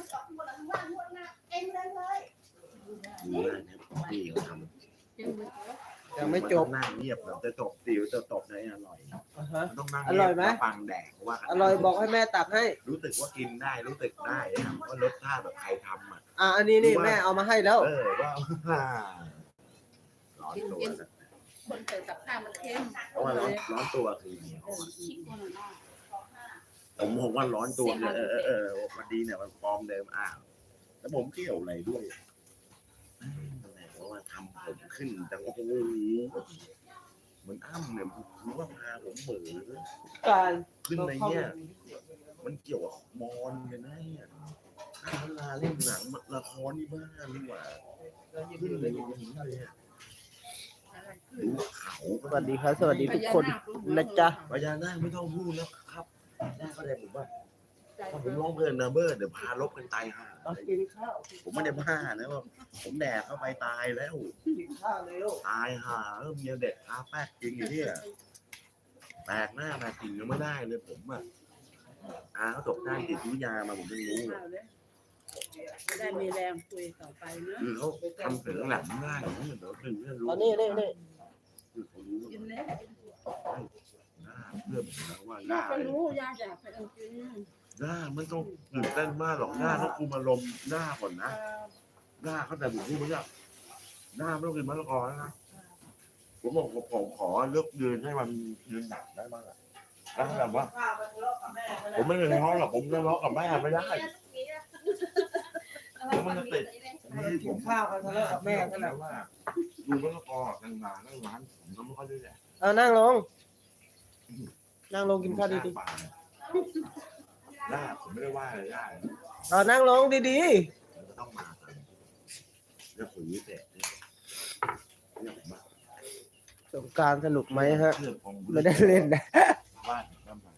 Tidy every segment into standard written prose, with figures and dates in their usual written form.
พี่เขาทำยังไม่จบนั่งเงียบแบบจะจบติวจะตบได้อร่อยต้องนั่งอร่อยไหมฟังแดกว่าอร่อยบอกให้แม่ตักให้รู้สึกว่ากินได้รู้สึกได้ว่ารสชาติแบบใครทำอันนี้นี่แม่เอามาให้แล้วว่าร้อนตัวคนใส่กับข้าวมันเค็มเพราะว่าร้อนตัวคือผมว่าร้อนตัวเนี่ยวันดีเนี่ยมันฟอร์มเดิมแล้วผมเกี่ยวอะไรด้วยเพราะว่าทำผมขึ้นแต่โอ้โหมันอ้ำเนี่ยรู้ว่าพาผมเหมือการขึ้นในเนี่ยมันเกี่ยวกับมอนกันนะเนี่ยเวลาเล่นหนังละครนี่บ้านี่หว่าขึ้นเลยอย่างนี้เลยดูเขาสวัสดีครับ สวัสดีทุกคนนะจ๊ะพญานาคไม่ต้องพูดนะครับได้ก็ได้ผมว่าถ้าผมร้องเพลินนะเบิร์ดเดี๋ยวพาลบกันตายห่ากินข้าวผมไม่ได้บ้านะว่าผมแดกเข้าไปตายแล้วกินข้าวเร็วตายห่าเมียเด็กทาแป๊กจริงอย่างนี้แตกหน้าแตกกิ่งยังไม่ได้เลยผมเขาตกด้านจิตวิทยามาผมไม่รู้จะได้มีแรงคุยต่อไปเนอะคือเขาทำเสือหลังง่ายเหมือนเราถึงเรื่องรู้นี่คือเขารู้กินแล้วหน้าเพื่อนผมนะว่าหย่าน้าก็รู้ย่าอยากไปเอากินหน้าไม่ต้องตื่นเต้นมากหรอกหน้าต้องคุมอารมณ์หน้าก่อนนะหน้าเขาแต่ผมพูดไม่ได้หน้าไม่ต้องกินมะละกอนะผมบอกผมขอเลือกยืนให้มันยืนหนักได้บ้างอะแล้วแบบว่า ผมไม่เลยทะเลาะหรอกผมทะเลาะกับแม่ไม่ได้แล้วมันจะติดกินข้าวกันแล้วกับแม่กันแล้แล้ววว่าดูมะละกอกันมาแล้วร้านผมก็ไม่ค่อยได้แหละนั่งลง นั่งลงกินข้าวดีหน้าผมไม่ได้ว่าอะไรได้ๆนั่งลงดีมันก็ต้องมากันเรื่องปุ๋ยเสร็จเนี่ยผมว่าๆสงกรานต์สนุกไหมฮะเรื่องของไม่ได้เล่นนะบ้านก็มา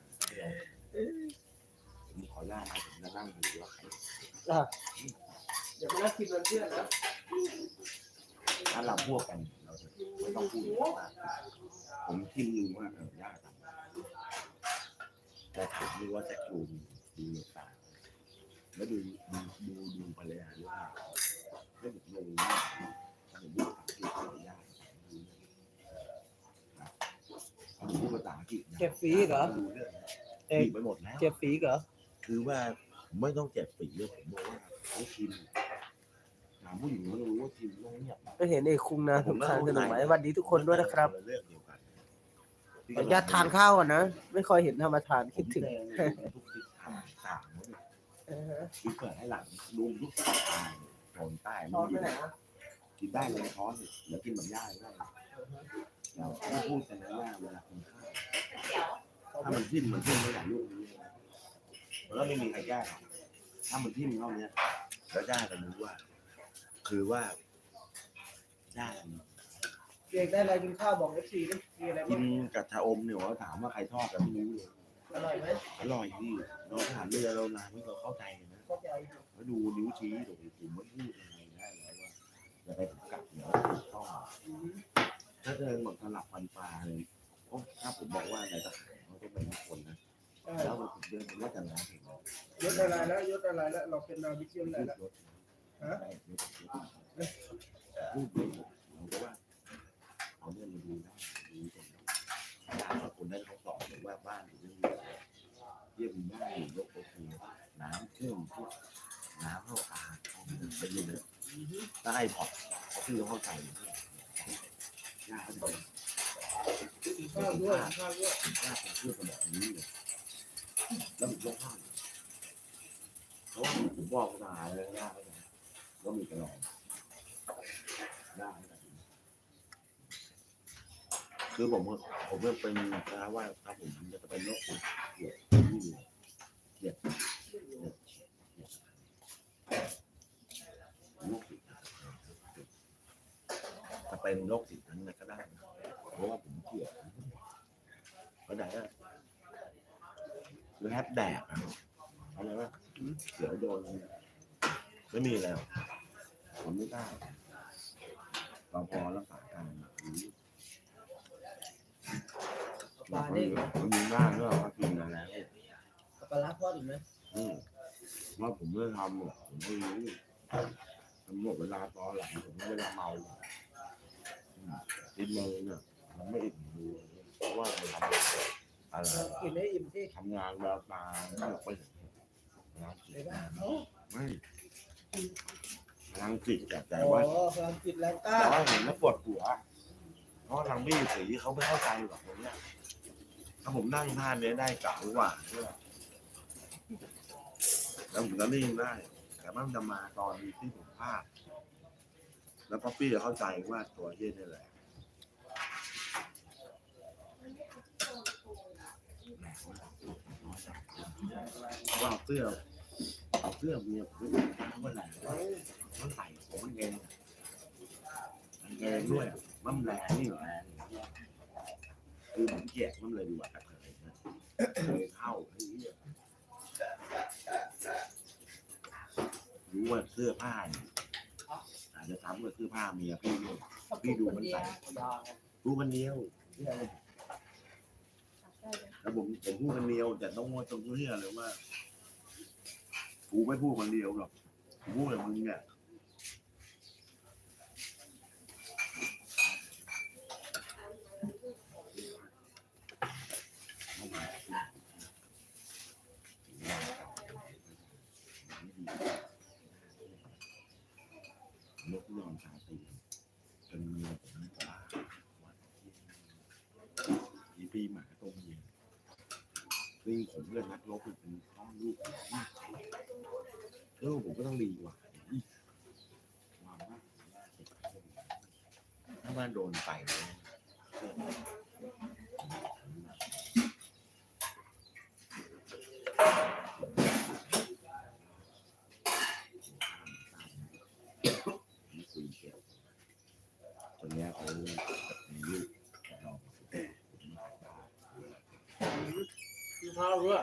ผมขออนุญาตผมจะนั่งดูว่าใครเดี๋ยวมานั่งกินมันเพื่อนนะถ้าเราพวกกันเราจะไม่ต้องพูดมากผมคิดรู้ว่ายากจังแต่ผมรู้ว่าจะดูต่างแล้วดูภรรยาด้วยแล้วผมรู้ว่าผมพูดภาษาอังกฤษยากผมพูดภาษาอังกฤษเจ็บฝีเหรอเอกไปหมดแล้วเจ็บฝีเหรอคือว่าไม่ต้องเจ็บปีเลยผมบอกว่าเขาชินถามผู้หญิงเขารู้ว่าชินต้องเงียบก็เห็นไอ้คุงนะสงกรานต์สนุกไหมสวัสดีทุกคนด้วยนะครับเรื่องเดียวกันขออนุญาตทานข้าวก่อนนะ ไม่ค่อยเห็นธรรมทานคิดถึงทุกทิศทางต่างคือเปิดให้หลังดูทุกทิศทางโซนใต้ไม่มีกินได้เลยท้อนเดี๋ยวกินแบบย่างได้เราพูดกันนะว่าเวลากินข้าวถ้ามันทิ่มไม่ได้ลูกนี้แล้วไม่มีใครแก้ถ้ามันทิ่มเท่านี้แล้วได้กันรู้ว่า คือว่าได้เด็กได้อะไรกินข้าวบอกFCดิมีอะไรกิบ้างนกับชาอมเนี่ยว่าถามว่าใครทอดกันไม่รู้เลยอร่อยไหมอร่อยที่เราถามเรือเรานานไม่เคยเข้าใจนะเข้าใจแล้วดูนิ้วชี้ดูผมไม่พูดยังไงได้แล้วว่าจะไปผมกลับเดี๋ยวต้องถ้าเดินหมดสลับฟันปลาเลยถ้าผมบอกว่าในตะข่ายเขาต้องเป็นคนนะแล้วผมเดินผมว่าจะร้านเห็นยศอะไรแล้วยศอะไรแล้วเราเป็นนาวิกยศอะไรแล้วพูดเลยเราก็ว่าเอาเรื่องมาดูนะดูตรงนั้นคนนั้นเขาสอนเลยว่าบ้านอยู่เรื่องเยี่ยมบ้านอยู่ยกโอเคน้ำเชื่อมพวกน้ำเข้าตาไปอยู่เลยได้พอคือเข้าใจยากเลยข้าวด้วยข้าวด้วยยากเป็นเรื่องแบบนี้เลยแล้วผมยกข้าวเพราะว่าผมบอกตาเลยยากเลยก็มีกระรองยากคือผมเป็นนะว่าถ้าผมจะเป็นโรคเกลียดโรคจะเป็นโรคติดนั้นก็ได้เพราะว่าผมเกลียดก็ได้คือแฮปแดกอะไรวะเสือโดนไม่มีแล้วผมไม่ได้เราพอรักษาการปลาเนี่ยมันมีหน้าด้วยว่ากินแล้วปลาล้าทอดอีกไหมว่าผมไม่ทำหรอกผมไม่รู้ผมหมดเวลาตอนหลังผมไม่เวลาเมากินเลยเนี่ยมันไม่อิ่มดูเพราะว่ามันทำอะไรกินได้อิ่มที่ทำงานแววตาไม่ออกไปเห็นงานจิตไม่งานจิตแต่โอ้ว่าพลังจิตแรงกล้าแต่ว่าเห็นแล้วปวดหัวเพราะทางพี่สีเขาไม่เข้าใจหรอกตรงเนี้ยถ้าผมนั่งท่านี้ได้เก่ากว่าเนี่ยแล้วผมก็นิ่งได้ แต่มันจะมาตอนที่ผมพลาดแล้วป๊อปปี้จะเข้าใจว่าตัวเฮียนี่แหละว่าเสื้อเมียผมเมื่อไหร่มันใส่ผมมันเองด้วยมันแรงนี่แรงคือผมเกลียดมันเลยดีกว่าแต่เลยนะเลยเข้าไอ้เหี้ยรู้ว่าเสื้อผ้าอาจจะทำกับเสื้อผ้าเมียพี่ด้วยพี่ดูมันใส่รู้มันเดียวแล้วผมพูดคนเดียวแต่ต้องว่าตรงนี้เลยว่ากูไม่พูดคนเดียวหรอกกูพูดกับมึงเนี่ยนกยอมชาตีจนเมียผมไม่กล้าอีปีหมาตรงนี้ลิงผมเลยนักลบเป็นท้องลูกผมก็ต้องดีกว่าถ้าบ้านโดนไปเลยตอนนี้เขามีลูกลองกินข้าวด้วย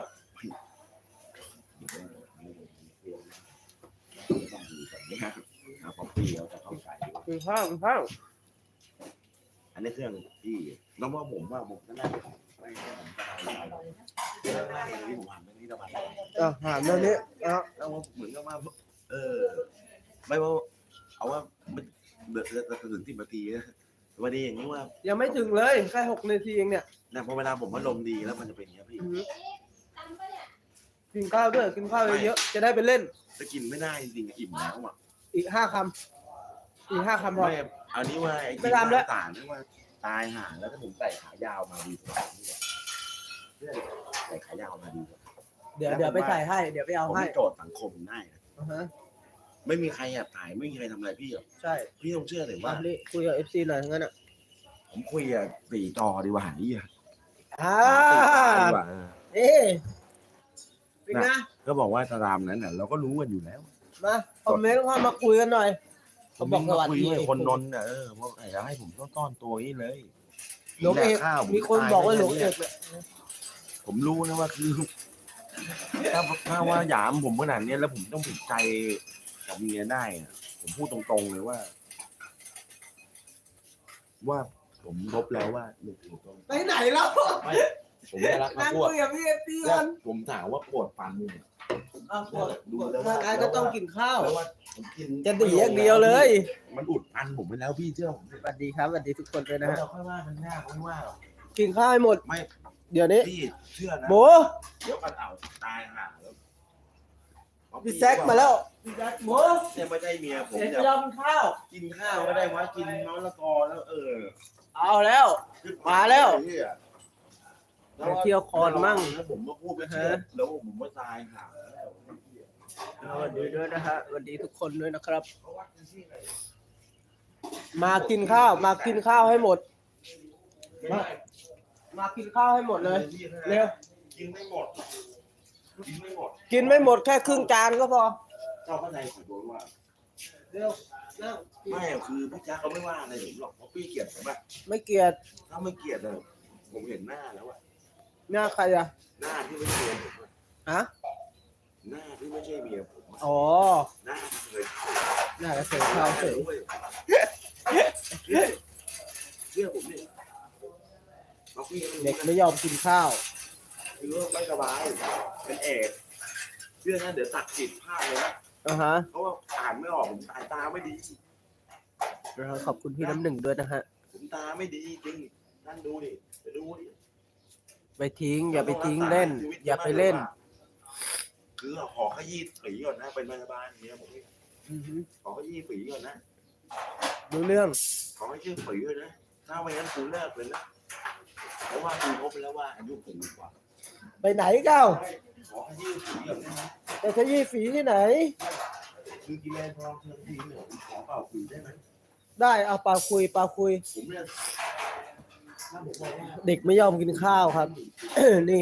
ต้องดูแบบนี้นะพอปีเราจะเข้าใจกินข้าวอันนี้เครื่องที่น้องว่าผมก็น่าจะไม่ใช่ผมสบายใจที่ผมทำเรื่องนี้สบายใจหามเรื่องนี้แล้วเหมือนกับว่าไม่ว่าเอาว่าเดือดถึง10 นาทีนะวันนี้อย่างนี้ว่ายังไม่ถึงเลยแค่6 นาทีเองเนี่ยนะพอเวลาผมอารมณ์ดีแล้วมันจะเป็นอย่างนี้พี่กินข้าวด้วยกินข้าวเยอะๆจะได้ไปเล่นจะกินไม่ได้จริงๆอิ่มแล้วอ่ะอีก5 คำอีก5 คำพอไม่อันนี้ว่าไอ้ไม่ทำแล้วต่างๆนี่ว่าตายห่าแล้วถ้าผมใส่ขายาวมาดีกว่าใส่ขายาวมาดีกว่าเดี๋ยวไปใส่ให้เดี๋ยวไปเอาผมให้โจทย์สังคมได้นะ ไม่มีใครแอบถ่ายไม่มีใครทำอะไรพี่หรอกใช่พี่ต้องเชื่อเลยว่านี่คุยกับ FC หน่อยทั้งนั้นอ่ะผมคุยกับ4 จอดีกว่านี่อ่ะดีกว่าเอ๊เป็นไงก็บอกว่าตามนั้นน่ะเราก็รู้กันอยู่แล้วมาคอมเมนต์เข้ามาคุยกันหน่อยเขาบอกสวัสดีคุยกับคนนนท์น่ะเพราะอยากให้ผมต้อนตัวนี้เลยหลวงเอกมีคนบอกว่าหลวงเอกเนี่ยผมรู้นะว่าคือถ้าว่าหยามผมขนาดนี้แล้วผมต้องผิดใจกับเมียได้ผมพูดตรงๆเลยว่าผมลบแล้วว่าหนึ่งถูกต้องไปไหนแล้วผมไม่รักนั่งพวกคุยกับพี่เอฟซีกันผมถามว่าปวดฟันมึงปวดร่างกายก็ต้องกินข้าวแล้วว่าผมกินจะดีอย่างเดียวเลยมันอุดฟันผมไปแล้วพี่เชื่อผมสวัสดีครับสวัสดีทุกคนเลยนะแล้วฮะเราค่อยว่ากันหน้าไม่ว่าหรอกกินข้าวให้หมดไม่เดี๋ยวนี้พี่เชื่อนะโบเดี๋ยวมันเอาตายห่าแล้วพี่แซกมาแล้วพี่แซกโบเนี่ยไม่ใช่เมียผมเดี๋ยวจะจะยอมข้าวกินข้าวก็ได้ว่ากินมะละกอแล้วเอาแล้ว มาแล้วแล้วไปเที่ยวคอนมั่งแล้วผมก็พูดไม่เชื่อแล้วผมก็ตายห่าแล้วสวัสดีด้วยนะฮะสวัสดีทุกคนด้วยนะครับ มากินข้าวมากินข้าวให้หมด มากินข้าวให้หมดเลยเร็วกินไม่หมดกินไม่หมดกินไม่หมดแค่ครึ่งจานก็พอเจ้าพระนายขอโทษว่าเร็วนั่งไม่คือพี่แจ๊คเขาไม่ว่าอะไรผมหรอกเพราะพี่เกลียดผมอะไม่เกลียดถ้าไม่เกลียดเลยผมเห็นหน้าแล้วอะหน้าใครอะหน้าที่ไม่ใช่เมียผมอะฮะหน้าที่ไม่ใช่เมียผมอะอ๋อหน้าที่เคยเข้าหน้ากระเสริมข้าวเสริมเชื่อผมดิเอาพี่เด็กไม่ยอมกินข้าวคือไม่สบายเป็นเอกชื่อนะเดี๋ยวตัดผิดพลาดเลยนะฮะเพราะว่าอ่านไม่ออกผมตาไม่ดีขอบคุณพี่น้ำหนึ่งด้วยนะฮะผมตาไม่ดีจริงนั่นดูดิไปดูดิไปทิ้ง อย่าไปทิ้งเล่น อย่าไปเล่นคือขอขยี้ฝีก่อนนะเป็นพยาบาลอย่างเงี้ยผมขอขยี้ฝีก่อนนะดูเรื่องขอให้ชื่อฝีก่อนนะถ้าไม่งั้นกูเลิกเลยนะเพราะว่ากูพบไปแล้วว่าอายุผมกว่าไปไหนเก้าขอขยี้ฝีก่อนนะแต่ขยี้ฝีที่ไหนคือกินแรงพอเชิญทีหนึ่งขอเป่าฝีได้ไหมได้เอาปลาคุยผมเนี่ยถ้าผมบอกว่าเด็กไม่ยอมกินข้าวครับ นี่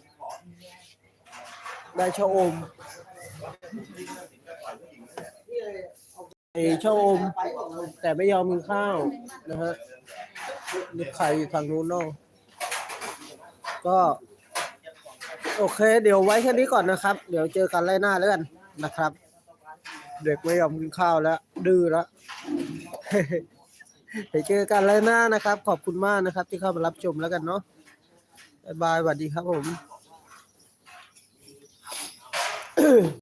ได้ชะอมไอชะอม แต่ไม่ยอมกินข้าวนะฮะนี่ใครอยู่ทางนู้นเนาะก็ โอเค เดี๋ยวไว้แค่นี้ก่อนนะครับ เดี๋ยวเจอกันไล่หน้าแล้วกันนะครับ เด็กไม่ยอมกินข้าวแล้ว ดื้อแล้ว เดี๋ยวเจอกันไล่หน้านะครับ ขอบคุณมากนะครับ ที่เข้ามารับชมแล้วกันเนาะบ๊ายบายสวัสดีครับผม